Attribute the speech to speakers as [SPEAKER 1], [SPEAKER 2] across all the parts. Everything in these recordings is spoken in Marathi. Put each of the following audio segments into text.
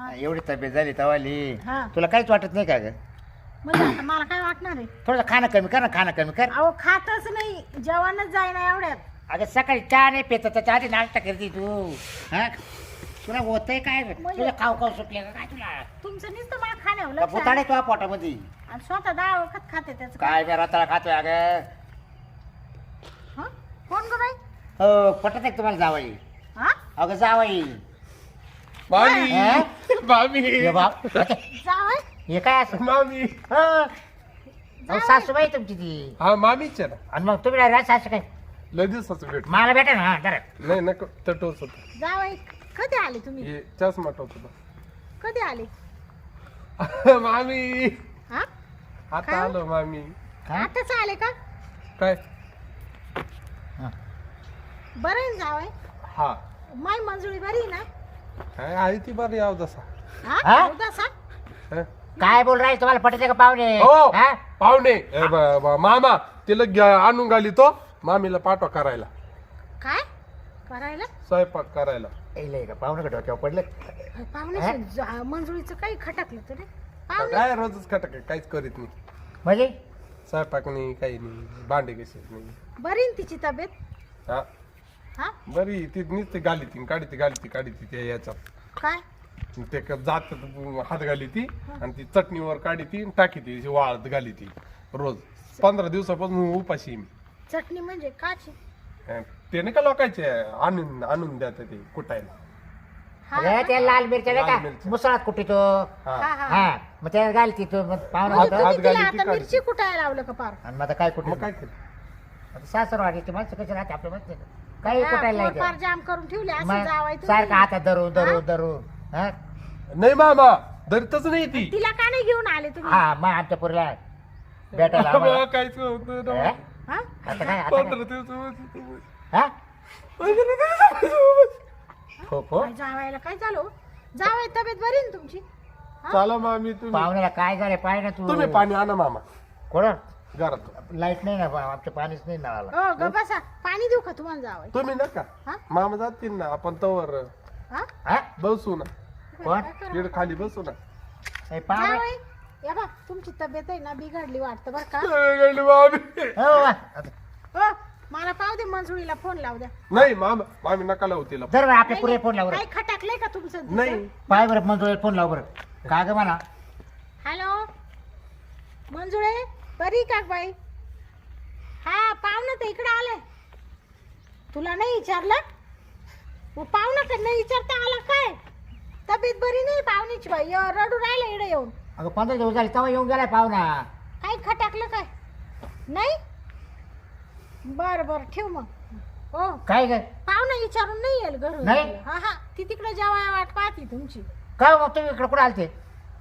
[SPEAKER 1] एवढी तब्येत झाली तवाली
[SPEAKER 2] हा.
[SPEAKER 1] तुला काहीच वाटत नाही का ग
[SPEAKER 2] म्हणजे आता मला काय वाटणार आहे?
[SPEAKER 1] थोडं खाणं कमी कर ना खाणं कमी कर
[SPEAKER 2] अहो खातच नाही, जेवणच जाईना एवढ्यात.
[SPEAKER 1] अगं सकाळी चहा नाही पेत त्याच्या आधी नाश्ता करते तू हा तुला होतंय काय तुला खाऊ खाऊ सुटले का काय तुला
[SPEAKER 2] तुमचं नुसतं मला खाण्यावर लक्ष आहे.
[SPEAKER 1] बुताडे तुझ्या पोटामध्ये
[SPEAKER 2] आणि स्वतः 10 वखत खाते त्याचं
[SPEAKER 1] काय मी रताळा खातोय अगं
[SPEAKER 2] हं? कोण गं बाई?
[SPEAKER 1] हो पटत आहे का तुम्हाला जावई
[SPEAKER 2] हा?
[SPEAKER 1] अगं जावई
[SPEAKER 3] मामी
[SPEAKER 1] हा?
[SPEAKER 3] मामी
[SPEAKER 1] ये बाप
[SPEAKER 2] जावई?
[SPEAKER 1] हे काय असं
[SPEAKER 3] मामी
[SPEAKER 1] अहो, सासूबाई तुमची ती
[SPEAKER 3] हा मामीच आहे ना
[SPEAKER 1] आणि मग तुम्ही राहा सासू काय
[SPEAKER 3] लय दिवसाचं भेट
[SPEAKER 1] मला भेटा ना हा जरा
[SPEAKER 3] नाही नको तटवच होत
[SPEAKER 2] जावई कधी आले तुम्ही?
[SPEAKER 3] हे चष्मा टोच
[SPEAKER 2] कधी आले?
[SPEAKER 3] होता मामी
[SPEAKER 2] हा?
[SPEAKER 3] आता
[SPEAKER 2] काय?
[SPEAKER 3] आलो मामी
[SPEAKER 1] हा?
[SPEAKER 2] आताच आले का?
[SPEAKER 3] काय
[SPEAKER 1] हा.
[SPEAKER 2] बरं आहे ना जावई?
[SPEAKER 3] हा
[SPEAKER 2] माय मंजुळी बरी आहे ना?
[SPEAKER 3] काय आहे ती बरं याव जसा
[SPEAKER 1] हा?
[SPEAKER 2] हा? उदासा?
[SPEAKER 3] हं?
[SPEAKER 1] काय बोल राहील तुम्हाला पटते का पाहुणे
[SPEAKER 3] हो
[SPEAKER 1] हा?
[SPEAKER 3] पाहुणे मामा तिला आणून घाली तो मामीला पाठवा करायला
[SPEAKER 2] काय करायला?
[SPEAKER 3] स्वयंपाक करायला
[SPEAKER 1] इले का पाहुणे का डोक्यावर पडले
[SPEAKER 2] पाहुणे मंजुळीचं काही खटकलं तरी पाहुणे
[SPEAKER 3] काय रोजच खटक काहीच करीत नाही
[SPEAKER 1] म्हणजे
[SPEAKER 3] स्वयंपाक नाही काही नाही भांडे कसे नाही
[SPEAKER 2] बरी ना तिची तब्येत?
[SPEAKER 3] हा
[SPEAKER 2] हा?
[SPEAKER 3] बरी ती नुसती गाली ती काढी ती त्या याच्यात
[SPEAKER 2] काय?
[SPEAKER 3] ते जात हात घाली ती आणि ती चटणीवर काढी ती टाकी ती वाळत घाली ती रोज 15 दिवसापासून उपाशी आहे मी
[SPEAKER 2] चटणी म्हणजे काची?
[SPEAKER 3] ते नाही का लोकांचे आणून द्या ते कुटायला
[SPEAKER 2] हा
[SPEAKER 1] अरे त्या लाल मिरच्या नाही
[SPEAKER 3] लाल
[SPEAKER 1] का
[SPEAKER 3] मिरच्या.
[SPEAKER 1] मुसळात कुठे तो
[SPEAKER 3] हा
[SPEAKER 2] हा हा
[SPEAKER 1] हा मग त्या घालती तो मग पाहुणा
[SPEAKER 2] म्हणजे
[SPEAKER 1] होता
[SPEAKER 3] हात
[SPEAKER 2] तुम्ही तिला
[SPEAKER 3] घाली ती
[SPEAKER 2] आता
[SPEAKER 3] काढली.
[SPEAKER 2] मिरची कुटायला लावलं का पार?
[SPEAKER 1] आणि मग आता काय कुठे
[SPEAKER 3] मग काय केलं
[SPEAKER 1] आता सासर वाढीची माणसं कशी राहते आपल्या माहिती आहे का? काही कुठायला
[SPEAKER 2] हा, पोर पार
[SPEAKER 1] नाही
[SPEAKER 2] जाम करून ठेवले असं
[SPEAKER 1] मग
[SPEAKER 2] जावाय
[SPEAKER 1] सारखं हातात धरू हा
[SPEAKER 3] नाही मामा धरतच नाही ती
[SPEAKER 2] तिला का नाही घेऊन आले तुम्ही?
[SPEAKER 1] हा मग आमच्या पुरीला भेटायला आम्हाला.
[SPEAKER 3] बाबा, काहीच नव्हतं ना.
[SPEAKER 1] हा?
[SPEAKER 2] हा?
[SPEAKER 1] आता काय आता काय?
[SPEAKER 3] 15 दिवसापासून.
[SPEAKER 1] हा?
[SPEAKER 3] 15 दिवसापासून.
[SPEAKER 1] हो हो
[SPEAKER 2] काय जावायला काय झालं? जावाय तब्येत बरी आहे ना तुमची?
[SPEAKER 3] चला मामी तुम्ही
[SPEAKER 1] पाहुण्याला काय झालं पाय ना तू
[SPEAKER 3] तुम्ही पाणी आणा मामा
[SPEAKER 1] कोण
[SPEAKER 3] घरात
[SPEAKER 1] लाईट नाही ना आमच्या पाणीच नाही नळाला
[SPEAKER 2] हो ग बसा, पाणी देऊ का तुम्हाला जावाय?
[SPEAKER 3] तुम्ही नका
[SPEAKER 2] हा?
[SPEAKER 3] मामा जातील ना आपण तवर
[SPEAKER 2] हा?
[SPEAKER 1] हा
[SPEAKER 3] बसू ना
[SPEAKER 1] कोण
[SPEAKER 2] काय करू?
[SPEAKER 3] इकडे खाली बसू ना
[SPEAKER 1] हे पाहुणे
[SPEAKER 2] जावई, या बा तुमची तब्येत आहे ना बिघडली वाटतं बरं का?
[SPEAKER 3] मामी
[SPEAKER 1] हो वा. आता
[SPEAKER 2] हो मला पाहू दे, मंजुळीला फोन लावू द्या.
[SPEAKER 3] नाही मामा मामी नका लावू तिला
[SPEAKER 1] जर आपल्या पुरे फोन लाव
[SPEAKER 2] काही खटकलंय का तुमचं तिचं?
[SPEAKER 3] नाही
[SPEAKER 1] पाय बरं मंजुळे फोन लाव बरं का ग मला
[SPEAKER 2] हॅलो मंजुळे, बरी का बाई? हा पाहुणं तर इकडे आलंय. तुला नाही विचारलं? मग पाहुणं तर नाही विचारता आला काय? तब्येत बरी नाही पाहुणीची बाई, रडू राहिला इकडे येऊन.
[SPEAKER 1] अगं 15 दिवस झाले तेव्हा येऊन गेलाय पाहुणा
[SPEAKER 2] काही खटकलं काय? नाही? बर बर ठेव मग. हो
[SPEAKER 1] काय ग
[SPEAKER 2] पाहुणं विचारून नाही येईल घरून.
[SPEAKER 1] नाही?
[SPEAKER 2] हा हा ती तिकडे जेवाय वाट पाहती तुमची.
[SPEAKER 1] काय मग तुम्ही इकडे कुठे आलते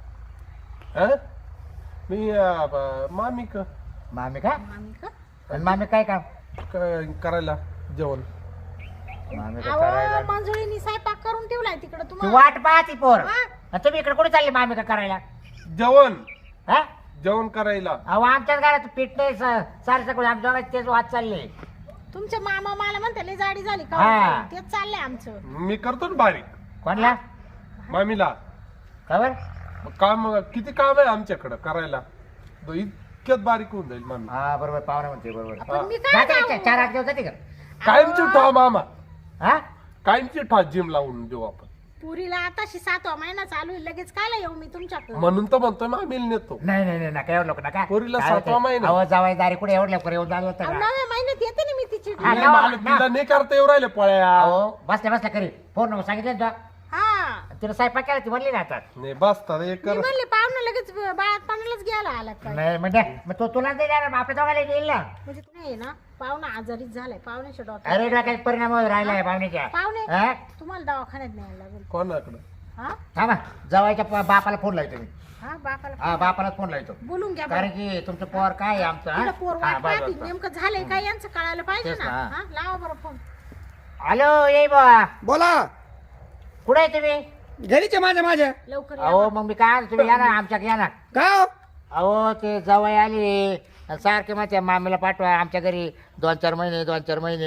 [SPEAKER 3] हं? मी मामी
[SPEAKER 1] मामी का
[SPEAKER 2] मामी का?
[SPEAKER 1] आणि मामी काय काम
[SPEAKER 3] करायला जेवण
[SPEAKER 1] मामी का
[SPEAKER 2] अहो
[SPEAKER 1] करायला
[SPEAKER 2] मंजुळीनी स्वयंपाक करून ठेवलाय तिकडे
[SPEAKER 1] ती
[SPEAKER 2] तुम्हाला.
[SPEAKER 1] वाट पाहती पोर
[SPEAKER 2] हा?
[SPEAKER 1] आणि तुम्ही इकडे कुठे चालले मामी का करायला
[SPEAKER 3] जेवण
[SPEAKER 1] हा
[SPEAKER 3] जेवण करायला
[SPEAKER 1] अहो आमच्याच घरात पीठ नाही सारे सगळं आमच्या दोघांचे तेच वाद चालले
[SPEAKER 2] तुमचे मामा मला म्हणते लय जाडी झाली का?
[SPEAKER 1] हा.
[SPEAKER 2] तेच चाललंय आमचं.
[SPEAKER 3] मी करतो ना बारीक
[SPEAKER 1] कोणला
[SPEAKER 3] मामीला
[SPEAKER 1] खबर
[SPEAKER 3] काम किती काम आहे आमच्याकडं करायला इतक्यात बारीक होऊन जाईल मामी
[SPEAKER 1] हा बरोबर पाहुणा म्हणते बरोबर
[SPEAKER 2] पण मी काय
[SPEAKER 1] जाते का?
[SPEAKER 2] जाऊ?
[SPEAKER 1] 4-8 दिवस जाते का
[SPEAKER 3] कायमची ठा मामा
[SPEAKER 1] हा
[SPEAKER 3] कायमची ठा जिम लावून देऊ आपण
[SPEAKER 2] पुरीला आताशी 7वा महिना चालू आहे, लगेच कायला येऊ मी तुमच्याकडे?
[SPEAKER 3] म्हणून तर म्हणतोय मामीला नेतो
[SPEAKER 1] नाही नाही नाही नका एवढं लोक नका
[SPEAKER 3] पोरीला
[SPEAKER 1] काय
[SPEAKER 3] 7वा
[SPEAKER 1] होतंय?
[SPEAKER 3] महिना.
[SPEAKER 1] अहो जावाई दारी कुठे एवढं लवकर येऊन झालं होतं का
[SPEAKER 2] 9व्या महिन्यात येते ना मी तिची.
[SPEAKER 1] हा,
[SPEAKER 3] नाही,
[SPEAKER 1] ना,
[SPEAKER 3] मला
[SPEAKER 1] ना.
[SPEAKER 3] तिला नाही करता येऊ राहिले पळ्या
[SPEAKER 1] अहो बसल्या बसल्या करी फोन नंबर सांगितलं ना
[SPEAKER 2] हा
[SPEAKER 1] तिला स्वयंपाक केला ती म्हणली ना आता
[SPEAKER 3] नाही बसता एक
[SPEAKER 2] मी
[SPEAKER 3] कर
[SPEAKER 2] म्हणले पाहुणं लगेच बाळात पाण्यालाच घ्यायला आला काय?
[SPEAKER 1] नाही म्हणजे मग तो तुला नाही देणार आपल्या दोघाला देईल ना
[SPEAKER 2] म्हणजे तुम्ही आहे ना पाहुणा आजारीच झालाय, पाहुण्याच्या डॉक्टर.
[SPEAKER 1] अरे डोक्यात परिणाम होत राहिलाय पाहुण्याच्या
[SPEAKER 2] पाहुणे
[SPEAKER 1] हा?
[SPEAKER 2] तुम्हाला दवाखान्यात न्यायला लागेल.
[SPEAKER 3] कोणाकडं
[SPEAKER 2] हा
[SPEAKER 1] थांबा जवायच्या बापाला फोन लावतो मी
[SPEAKER 2] हा बापाला
[SPEAKER 1] हा बापाला फोन लावतो
[SPEAKER 2] बोलून घ्या
[SPEAKER 1] कारण
[SPEAKER 2] बरं.
[SPEAKER 1] की तुमचं पोर काय आहे आमचं
[SPEAKER 2] तिला
[SPEAKER 1] हा?
[SPEAKER 2] पोर
[SPEAKER 1] हा,
[SPEAKER 2] वाट
[SPEAKER 1] बस,
[SPEAKER 2] पाहती,
[SPEAKER 1] बस, बस.
[SPEAKER 2] नेमकं झालंय काय यांचं कळायला पाहिजे
[SPEAKER 1] तेच
[SPEAKER 2] ना.
[SPEAKER 1] ना.
[SPEAKER 2] हा लावा बरं फोन.
[SPEAKER 1] हॅलो ये बा
[SPEAKER 4] बोला
[SPEAKER 1] कुठे आहे तुम्ही
[SPEAKER 4] घरीचे माझ्या
[SPEAKER 2] लवकर या.
[SPEAKER 1] अहो मग मी काय तुम्ही या ना आमच्याकडे या ना
[SPEAKER 4] का हो?
[SPEAKER 1] अहो ते जवळ आले सारखे माझ्या मामीला पाठवा आमच्या घरी 2-4 महिने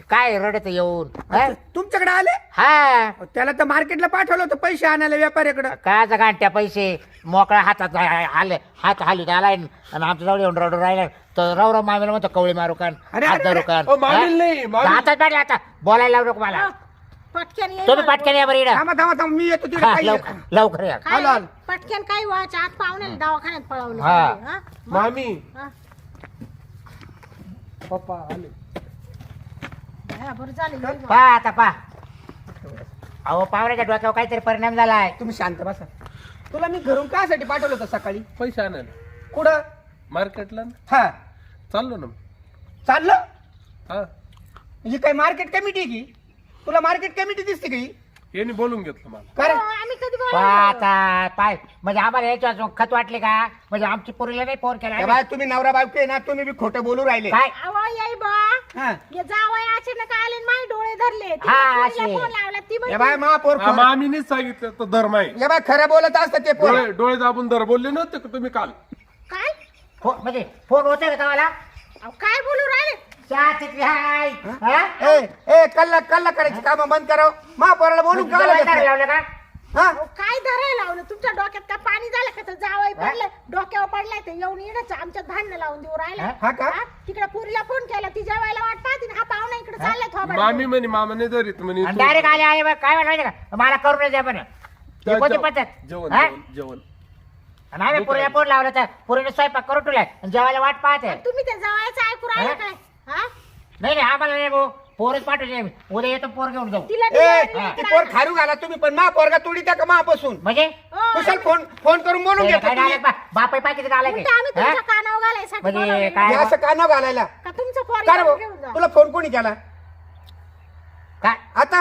[SPEAKER 1] काय रडत येऊन हा?
[SPEAKER 4] तुमच्याकडे आले
[SPEAKER 1] हा
[SPEAKER 4] त्याला तर मार्केटला पाठवलं होतं पैसे आणायला व्यापाऱ्याकडे.
[SPEAKER 1] काय गांठ्या पैसे मोकळ्या हातात आले हात हालून आलाय आणि आमच्या जवळ येऊन रडून राहिला तर राव मामीला म्हणतो कवळी मारू कान
[SPEAKER 4] अरे,
[SPEAKER 1] हात
[SPEAKER 4] अरे,
[SPEAKER 1] धरू
[SPEAKER 4] अरे.
[SPEAKER 1] कान
[SPEAKER 3] मामील नाही मामील.
[SPEAKER 1] हातात पाडले आता बोलायला लावू नको मला
[SPEAKER 2] पटकन ये
[SPEAKER 1] तुम्ही
[SPEAKER 2] बा.
[SPEAKER 1] पटकन या बरं इकडं.
[SPEAKER 4] थांबा थांबा थांबा मी येतो तिकडे
[SPEAKER 1] हा,
[SPEAKER 4] काही
[SPEAKER 1] लवकर लवकर या
[SPEAKER 2] काय
[SPEAKER 4] आलो, आलो.
[SPEAKER 2] पटकन काही व्हायच्या आत पाहुण्याला दवाखान्यात पळवलं
[SPEAKER 1] हा.
[SPEAKER 2] हा?
[SPEAKER 3] मामी
[SPEAKER 2] हा.
[SPEAKER 3] पप्पा आले.
[SPEAKER 2] हा, बरं झालं ये बा.
[SPEAKER 1] पा आता पा अहो पावराच्या डोक्यावर काहीतरी परिणाम झालाय
[SPEAKER 4] तुम्ही शांत बसा. तुला मी घरून कासाठी पाठवलं होतं सकाळी?
[SPEAKER 3] पैसे आणायला
[SPEAKER 4] कुठं?
[SPEAKER 3] मार्केटला ना.
[SPEAKER 4] हा
[SPEAKER 3] चाललो ना.
[SPEAKER 4] चाललं.
[SPEAKER 3] हा
[SPEAKER 4] ही काय मार्केट कमिटी आहे की? तुला मार्केट कमिटी दिसते की?
[SPEAKER 3] यांनी बोलून घेतलं मला.
[SPEAKER 4] काय
[SPEAKER 2] हो, आम्ही कधी
[SPEAKER 1] पा
[SPEAKER 2] बोलावलं?
[SPEAKER 1] आता पाय म्हणजे आम्हाला याच्या खत वाटले का म्हणजे आमची पोरीला नाही फोन केला
[SPEAKER 4] बाय तुम्ही नवरा बायको आहे ना, तुम्ही बी खोटं बोलू राहिले.
[SPEAKER 1] काय
[SPEAKER 2] अहो, येई बा
[SPEAKER 4] हा.
[SPEAKER 2] ये जावई अचानक आले आणि माझे डोळे धरले
[SPEAKER 1] हा,
[SPEAKER 2] तिला
[SPEAKER 1] असे.
[SPEAKER 2] फोन लावला ती
[SPEAKER 4] ये
[SPEAKER 2] म्हणते,
[SPEAKER 4] बाय महापौर
[SPEAKER 3] हा, मामीनेच सांगितलं तर धर्म आहे.
[SPEAKER 4] ये बाय खरं बोलत असतं ते पोर.
[SPEAKER 3] डोळे डोळे दाबून धर बोलले नव्हते का तुम्ही काल?
[SPEAKER 2] काय
[SPEAKER 1] म्हणजे फोन होते का तुम्हाला
[SPEAKER 2] अहो, काय बोलू राहिले
[SPEAKER 1] चहा तिथली हाय हा?
[SPEAKER 4] ए ए कल्ला कल्ला करायची काम बंद करावं. महापौराला बोलून का
[SPEAKER 1] तुझं
[SPEAKER 4] लागत
[SPEAKER 1] वैताग
[SPEAKER 4] नाही?
[SPEAKER 1] लावलं का
[SPEAKER 4] हा?
[SPEAKER 2] अहो, काय धरायला लावलं तुमच्या डोक्यात का पाणी झालं का तर जावई पडले डोक्यावर पडलाय ते येऊन येणंच आमच्यात भांडण लावून देऊ राहिला
[SPEAKER 4] हा का?
[SPEAKER 2] तिकडे पुरीला फोन केला ती जेवायला वाट पाहते आणि हा पाहुणा इकडे चाललाय थोबाड
[SPEAKER 3] मामी म्हणे मामाने धरीत म्हणे
[SPEAKER 1] आणि
[SPEAKER 3] तू-
[SPEAKER 1] डायरेक्ट आले आहे बा, काय म्हणायचं का मला करून द्या पण हे कोणती पद्धत
[SPEAKER 3] जेवण
[SPEAKER 1] हा?
[SPEAKER 3] जेवण जेवण
[SPEAKER 1] आणि आम्ही पुरीला फोन लावला तर पुरीने स्वयंपाक करून ठेवलाय आणि जेवायला वाट पाहते
[SPEAKER 2] तुम्ही त्या जावयाचं ऐकू राहिला
[SPEAKER 1] हा?
[SPEAKER 2] काय हा
[SPEAKER 1] नाही नाही आम्हाला नाही भाऊ पोरच पाठवते आम्ही. उद्या येतो पोर घेऊन जाऊ
[SPEAKER 2] तिला
[SPEAKER 4] ए
[SPEAKER 2] डिलिव्हरीला
[SPEAKER 4] ती
[SPEAKER 2] इकडं
[SPEAKER 4] पोर
[SPEAKER 2] आणा.
[SPEAKER 4] खारू घाला तुम्ही पण महापौरगा तोडी त्या का महापासून
[SPEAKER 1] म्हणजे
[SPEAKER 2] हो,
[SPEAKER 4] कुशल फोन फोन करून बोलून घ्या
[SPEAKER 1] काय डायरेक्ट बापाई पाकिट आलाय
[SPEAKER 2] उलटं आम्ही
[SPEAKER 1] काय
[SPEAKER 2] तुमच्या कानावर घालायसाठी
[SPEAKER 1] म्हणजे
[SPEAKER 2] बोलावलंय.
[SPEAKER 1] काय
[SPEAKER 4] असं का न घालायला
[SPEAKER 2] का तुमचं पोर
[SPEAKER 4] का रे भाऊ?
[SPEAKER 2] घेऊन जा
[SPEAKER 4] तुला फोन कोणी केला
[SPEAKER 1] काय
[SPEAKER 4] आता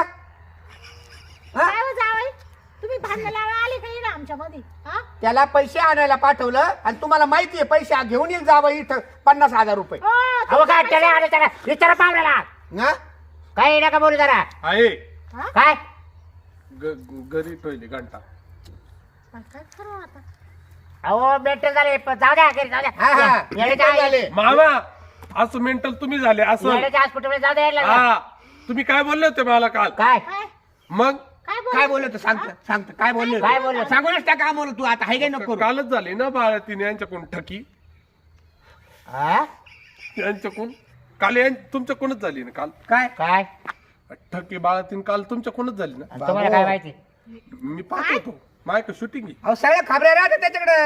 [SPEAKER 4] हा?
[SPEAKER 2] काय हो जावई तुम्ही भांडण लावायला आले का इकडे आमच्या मध्ये हा
[SPEAKER 4] त्याला पैसे आणायला पाठवलं आणि तुम्हाला माहिती आहे पैसे घेऊन येईल जावं इथं 50,000 रुपये.
[SPEAKER 2] हो,
[SPEAKER 1] अहो
[SPEAKER 2] तुमच्या
[SPEAKER 1] काय त्याला आले त्याला विचारा पावल्याला
[SPEAKER 4] ना
[SPEAKER 1] काही नका बोलू जरा
[SPEAKER 3] आहे
[SPEAKER 2] हा?
[SPEAKER 1] काय
[SPEAKER 3] घरी ठेवले घंटा.
[SPEAKER 2] काय करू आता
[SPEAKER 1] अहो मेंटल झाले जाऊ द्या घरी जाऊ
[SPEAKER 4] हा हा
[SPEAKER 1] द्या
[SPEAKER 4] मेंटल झाले.
[SPEAKER 3] मामा असं मेंटल तुम्ही झाले असं.
[SPEAKER 1] येण्याच्या हॉस्पिटल जाऊ द्या यायला.
[SPEAKER 3] हा तुम्ही काय बोलले होते मला काल?
[SPEAKER 1] काय
[SPEAKER 2] काय
[SPEAKER 3] मग
[SPEAKER 4] काय बोललो तू सांगत काय बोललो
[SPEAKER 1] काय बोललो?
[SPEAKER 4] सांगूनच टाका आम्हाला तू आता हाय काय नको
[SPEAKER 3] कालच झाले ना बाळा तिने यांच्याकडून ठकी
[SPEAKER 1] हा?
[SPEAKER 3] यांच्याकडून काल तुमच्याकडूनच झाली ना काल
[SPEAKER 4] काय
[SPEAKER 1] काय
[SPEAKER 3] ठकी बाळा तीन काल तुमच्याकडूनच झाली ना.
[SPEAKER 1] आणि तुम्हाला काय माहिती
[SPEAKER 3] मी पाहतो होतो मायक शूटिंग
[SPEAKER 4] अहो सगळ्या खबऱ्या राहतात त्याच्याकडे.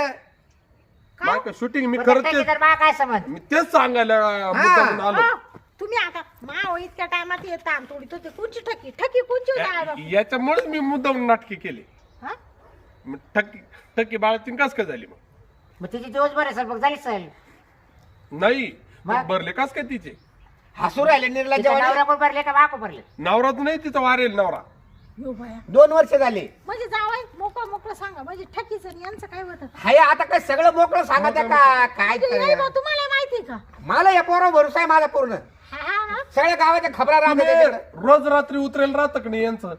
[SPEAKER 3] मायक शूटिंग मी
[SPEAKER 1] प्रत्येक
[SPEAKER 3] करत
[SPEAKER 1] ठेकेदार मला काय समज
[SPEAKER 3] मी तेच सांगायला मुद्दामून आलो.
[SPEAKER 2] हो, तुम्ही आता माव इतक्या टायमात येत आमतोडी तो कोणची ठकी ठकी कोणची होती बाबा
[SPEAKER 3] याच्यामुळेच मी मुद्दामून नाटकी केली.
[SPEAKER 2] हा
[SPEAKER 3] मग ठकी बाळा तीन कस काय झाली मग?
[SPEAKER 1] मग तिची दिवसभर आहे सर मग झाली सहल
[SPEAKER 3] नाही
[SPEAKER 1] मग?
[SPEAKER 3] भरले कस काय तिचे
[SPEAKER 4] हसू राहिले निर्लज्ज
[SPEAKER 1] तिच्या नवरा कोण भरले का बाको भरले
[SPEAKER 3] नवरा तर नाही तिचा वारेल नवरा.
[SPEAKER 2] यो बाया
[SPEAKER 4] 2 वर्ष झाले.
[SPEAKER 2] म्हणजे जावई मोकळं मोकळं सांगा म्हणजे ठकीचं आणि यांचं काय होतं
[SPEAKER 4] हाय आता काय सगळं मोकळं सांगा त्या का काय
[SPEAKER 2] ते नाही बा, तुम्हाला माहिती का
[SPEAKER 4] मला या पोरा भरोसा आहे माझा पूर्ण.
[SPEAKER 2] हा हा हा
[SPEAKER 4] सगळ्या गावाच्या खबरा राहतात
[SPEAKER 3] तुम्ही
[SPEAKER 4] त्याच्याकडे.
[SPEAKER 3] रोज रात्री उतरेल राहतं का नाही यांचं?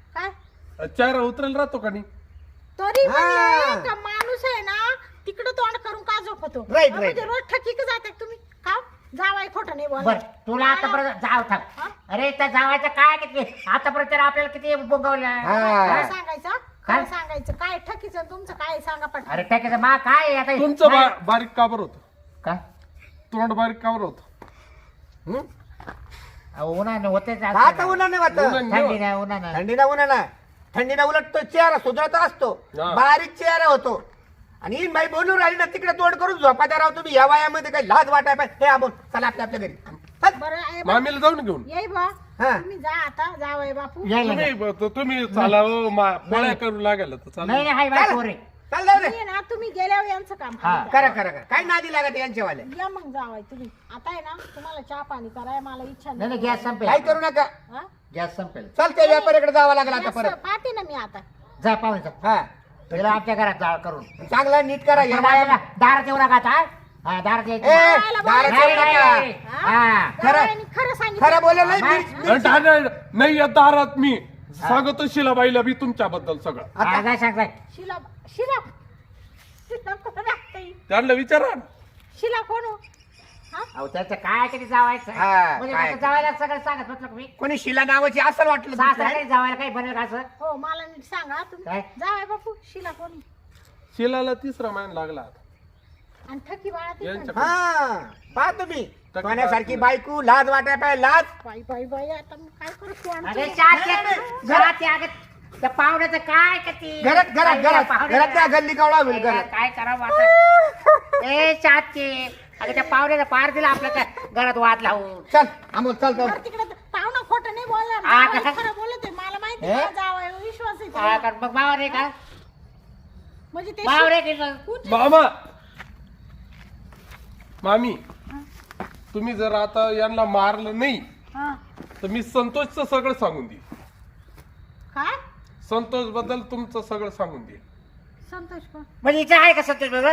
[SPEAKER 2] काय
[SPEAKER 3] चेहरा उतरेल राहतो का नाही?
[SPEAKER 2] तरी
[SPEAKER 4] हा.
[SPEAKER 2] म्हणजे का माणूस आहे ना तिकडं तोंड करून का झोपतो
[SPEAKER 4] Right,
[SPEAKER 2] म्हणजे
[SPEAKER 4] right.
[SPEAKER 2] रोज ठकी का जाते तुम्ही का जावाई खोटं नाही
[SPEAKER 1] बर
[SPEAKER 2] बोल
[SPEAKER 1] तुला आतापर्यंत जाव
[SPEAKER 2] हा?
[SPEAKER 1] थांब अरे त्या जावायचं काय किती आतापर्यंत तर आपल्याला किती बोगवलं
[SPEAKER 4] हा.
[SPEAKER 2] काय सांगायचं
[SPEAKER 1] काय?
[SPEAKER 2] काय सांगायचं काय ठकीचं आणि तुमचं काय सांगा पण
[SPEAKER 1] अरे टाकायचं मा काय आहे आता
[SPEAKER 3] तुमचं
[SPEAKER 1] काय?
[SPEAKER 3] बारीक काबर होत?
[SPEAKER 1] काय
[SPEAKER 3] तोंड बारीक काबर होत?
[SPEAKER 4] हं?
[SPEAKER 1] अहो, उन्हानं होतेच
[SPEAKER 4] आता
[SPEAKER 1] असं.
[SPEAKER 4] उन्हाने वाटत
[SPEAKER 1] थंडी नाही उन्हानं
[SPEAKER 4] थंडीना उलट तो चेहरा सुधरत असतो.
[SPEAKER 3] हा.
[SPEAKER 4] बारीक चेहरा होतो आणि ही बाई बोलून राहिली ना तिकडे तोंड करून झोपात्या राव तुम्ही या वयामध्ये काही लाज वाटाय पाहिजे. हे आपण चला आपल्या आपल्या घरी चल.
[SPEAKER 2] बरं आहे बा.
[SPEAKER 3] मामीला जाऊन घेऊन
[SPEAKER 2] येई बा
[SPEAKER 4] हा.
[SPEAKER 2] तुम्ही जा आता जावई बापू
[SPEAKER 1] यायला नाही
[SPEAKER 3] तुम्ही चाला हो, पोळ्या करू लागेल तर चालेल.
[SPEAKER 1] नाही हाय बाय पोरे
[SPEAKER 4] चल जाऊ दे.
[SPEAKER 2] तुम्ही ना तुम्ही गेल्यावर यांचं काम
[SPEAKER 1] हा.
[SPEAKER 2] करा.
[SPEAKER 4] करा काय नादी लागत यांच्यावाले.
[SPEAKER 2] या मग जावाय तुम्ही आता आहे ना तुम्हाला चहा पाणी कराय मला इच्छा
[SPEAKER 1] नाही नाही गॅस संपेल
[SPEAKER 4] काय करू नका.
[SPEAKER 2] हा?
[SPEAKER 1] गॅस संपेल
[SPEAKER 4] चल त्या व्यापाऱ्याकडे जावं लागलं आता
[SPEAKER 2] गॅस
[SPEAKER 4] परत.
[SPEAKER 2] पाहते ना मी आता
[SPEAKER 1] जा पाहून जा
[SPEAKER 4] हा
[SPEAKER 1] तिला आमच्या घरात जाळ करून
[SPEAKER 4] चांगला नीट करा या
[SPEAKER 1] दाराला दारात येऊ नका आता हा दारात
[SPEAKER 4] ए,
[SPEAKER 1] यायचं
[SPEAKER 4] दारात
[SPEAKER 1] नाही,
[SPEAKER 4] येऊ
[SPEAKER 1] नाही,
[SPEAKER 4] नका.
[SPEAKER 1] नाही. हा
[SPEAKER 2] जावयाने खरं सांगितलं
[SPEAKER 4] खरं बोललं नाही
[SPEAKER 1] हा.
[SPEAKER 4] मी-
[SPEAKER 3] नाही या दारात मी सांगतो शिलाबाईला बी तुमच्याबद्दल सगळं.
[SPEAKER 1] हा, जा सांग जाय.
[SPEAKER 2] शिला शिला शिला कोण लागतंय?
[SPEAKER 3] त्यांना विचारा ना.
[SPEAKER 2] शिला कोण हो? हा?
[SPEAKER 1] अहो त्याचं काय किती जावायचं
[SPEAKER 4] हा,
[SPEAKER 1] म्हणजे
[SPEAKER 4] काय?
[SPEAKER 1] माझं जावायला सगळं सांगत म्हटलं का मी
[SPEAKER 4] कोणी शिला नावाची असं वाटलं
[SPEAKER 1] सासरा
[SPEAKER 4] दुसरं.
[SPEAKER 1] काही जावायला काही बनेल का असं
[SPEAKER 2] हो मला नीट सांगा तुम्ही
[SPEAKER 1] काय?
[SPEAKER 2] जावाय बापू शिला कोणी
[SPEAKER 3] शिलाला 3रा महिना लागला आता.
[SPEAKER 2] आणि ठकी बाळा ती
[SPEAKER 3] यांच्या-
[SPEAKER 2] कोण?
[SPEAKER 4] हा पहा तुम्ही सोन्यासारखी बायको लाज वाटाय पाहिजे लाज.
[SPEAKER 2] बाई बाई बाई आता मी काय करू तू
[SPEAKER 1] अरे
[SPEAKER 2] आमची-
[SPEAKER 1] त्या पाहुण्याचं काय किती
[SPEAKER 4] घरात त्या गल्ली कावळा होईल घरात.
[SPEAKER 1] काय करावं आता ए चाचे अगं त्या पाहुण्याला पार दिला आपल्या त्या घरात वाद लावून
[SPEAKER 4] चल अमोल चल चल.
[SPEAKER 2] बरं तिकडे पाहुणा खोटं नाही बोलणार
[SPEAKER 1] हा,
[SPEAKER 2] जावई
[SPEAKER 1] का?
[SPEAKER 2] खरं बोलत आहे मला माहिती
[SPEAKER 4] हे?
[SPEAKER 2] जावाय विश्वास आहे
[SPEAKER 1] हा,
[SPEAKER 2] त्याला.
[SPEAKER 1] कारण मग मावर आहे का
[SPEAKER 2] म्हणजे ते
[SPEAKER 1] मावर आहे की
[SPEAKER 3] मामा मामी तुम्ही जर आता यांना मारलं नाही
[SPEAKER 2] हा.
[SPEAKER 3] तर मी संतोषचं सगळं सांगून देईन.
[SPEAKER 2] काय
[SPEAKER 3] संतोष बद्दल तुमचं सगळं सांगून देईन.
[SPEAKER 2] संतोष कोण
[SPEAKER 1] म्हणजे इथं आहे का संतोष बरोबर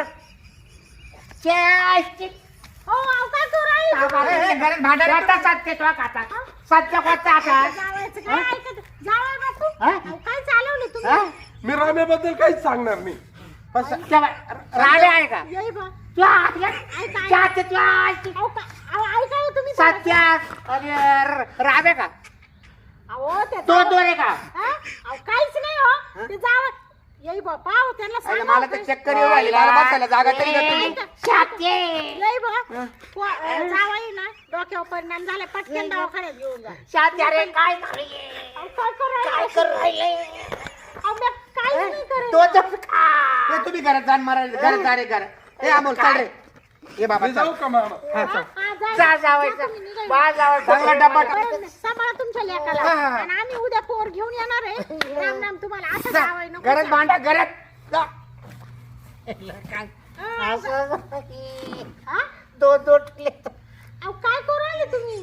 [SPEAKER 2] हो अहो, काय करू राहिली?
[SPEAKER 4] ए, घरात भांडण
[SPEAKER 1] सत्य तो आता सत्य कोणता आता
[SPEAKER 2] जावायचं काय ऐकत जावाय बापू
[SPEAKER 1] हा?
[SPEAKER 2] अहो, काय चालवलं
[SPEAKER 1] हा?
[SPEAKER 2] तुम्ही
[SPEAKER 3] मी राम्याबद्दल काहीच सांगणार नाही.
[SPEAKER 1] राणे आहे का
[SPEAKER 2] येई बा
[SPEAKER 1] तू चाचे तू
[SPEAKER 2] अहो ऐका हो तुम्ही
[SPEAKER 1] सत्य आणि राणे का
[SPEAKER 2] अहो ते
[SPEAKER 1] दोन दोन आहे का
[SPEAKER 2] हा? अहो काहीच नाही हो ते जावं येई बा पाव त्यांना
[SPEAKER 4] अरे
[SPEAKER 2] सांगा
[SPEAKER 4] मला तर चक्कर येऊ राहिली मला बसायला जागा तरी नाही तुम्ही.
[SPEAKER 1] सात्ये
[SPEAKER 2] येई बा जावई ना डोक्यावर परिणाम झाला पटकन दवाखान्यात घेऊन जा
[SPEAKER 1] सात्या अरे काय झालंय?
[SPEAKER 2] अहो, काय करू
[SPEAKER 1] काय
[SPEAKER 2] राहिले?
[SPEAKER 1] करू राहिले
[SPEAKER 2] अहो, मी काहीच नाही करेल.
[SPEAKER 1] तो जप खा
[SPEAKER 4] ए, तुम्ही घरात जाण मारायला घरात जा रे घरात. ए अमोल चल रे ये बाबा
[SPEAKER 3] मी
[SPEAKER 4] चल.
[SPEAKER 3] जाऊ का मामा
[SPEAKER 2] हा, जा.
[SPEAKER 1] जा जावायचं
[SPEAKER 2] तुम्ही निघा.
[SPEAKER 1] बा जावायचं
[SPEAKER 4] चांगला डब्बा
[SPEAKER 2] बरं, सांभाळा तुमच्या लेकाला
[SPEAKER 4] हा, हा.
[SPEAKER 2] आणि आम्ही उद्या पोर घेऊन येणार आहे राम राम तुम्हाला असं
[SPEAKER 4] जा.
[SPEAKER 2] जावई नको
[SPEAKER 4] घरात भांडा घरात जा.
[SPEAKER 1] असं
[SPEAKER 2] हा?
[SPEAKER 1] दोन दोन
[SPEAKER 2] अहो, काय करू राहिले तुम्ही